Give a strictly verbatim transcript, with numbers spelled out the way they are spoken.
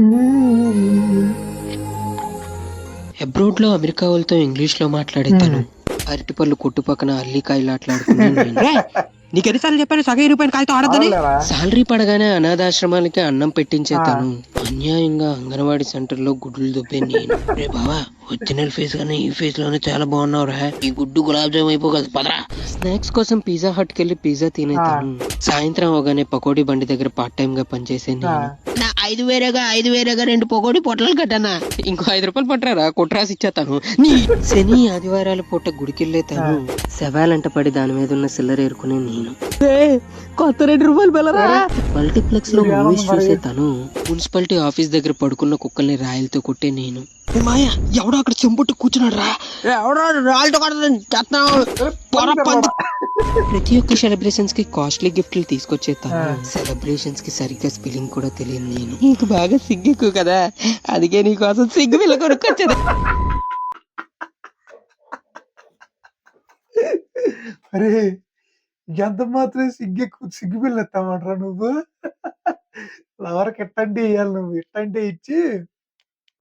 అబ్రాడ్‌లో America వాళ్ళతో ఇంగ్లీష్‌లో మాట్లాడే తను. హ్మ్. అరటిపళ్ళు కొట్టు పక్కన అల్లికాయలాట్లాడుకునే నేను. రేయ్! నీకెన్నిసార్లు చెప్పాను సగం ఇరిగిపోయిన కాయతో ఆడొద్దని? అవునులేరా? సాలరీ పడగానే అనాథాశ్రమాలకి అన్నం పెట్టించే ఆ! తను. అన్యాయంగా అంగన్వాడీ సెంటర్‌లో గుడ్లు దుబ్బే నేను. రే బావా! ఒరిజినల్ ఫేస్ కన్నా ఈ ఫేస్‌లోనే చాలా బాగున్నావురా! ఈ గుడ్డు గులాబ్ జామ్ అయిపోగలదు పదరా! స్నాక్స్ కోసం పిజ్జా హట్‌కెళ్ళి పిజ్జా తినే ఆ! తను. సాయంత్రం అవగానే పకోడీ బండి దగ్గర పార్ట్ టైమ్‌గా పనిచేసే ఆ! నేను. నా ఐదు వేరేగా ఐదు వేరేగా రెండు పకోడీ పొట్లాలు కట్టనా ఇంకో ఐదు రూపాయలు పట్టరారా కొట్రాసి ఇచ్చేతాను నీ శని ఆదివారాల పూట గుడికెళ్ళే ఆ! తను. శవాలంట పడి దాని మీద ఉన్న సిల్లర ఏరుకునే నేను. రేయ్! కొత్త రెండు రూపాయలు బిళ్ళరా? అరే! మల్టీప్లెక్స్ లో ఇదేమన్నా మూవీస్ మరి చూసే తను. మున్సిపాలిటీ ఆఫీస్ దగ్గర పడుకున్న కుక్కల్ని రాయలతో కొట్టే నేను. ఏ మాయ ఎవడో అక్కడ చెంబుట్టు కూర్చున్నాడు రా. ఎవడో రాళ్ళతో కొడతాను చేస్తున్నావు. అరే! పొర పంది పంది. కర్రోడా! ప్రతి ఒక్క సెలబ్రేషన్స్ కి కాస్ట్లీ గిఫ్ట్లు తీసుకొచ్చే ఆ! తను. సెలబ్రేషన్స్ కి సరిగ్గా స్పెల్లింగ్ కూడా తెలియదు నేను. నీకు బాగా సిగ్గు కదా అందుకే నీకోసం సిగ్గు పిల్ల కొనుక్కొచ్చేది. అరే! ఎంత మాత్రం సిగ్గెక్కు సిగ్గుపిల్ల ఎత్తావంటరా నువ్వు? లవర్‌కి ఇట్టంటే ఇయ్యాలి నువ్వు. ఇట్టంటే ఇచ్చి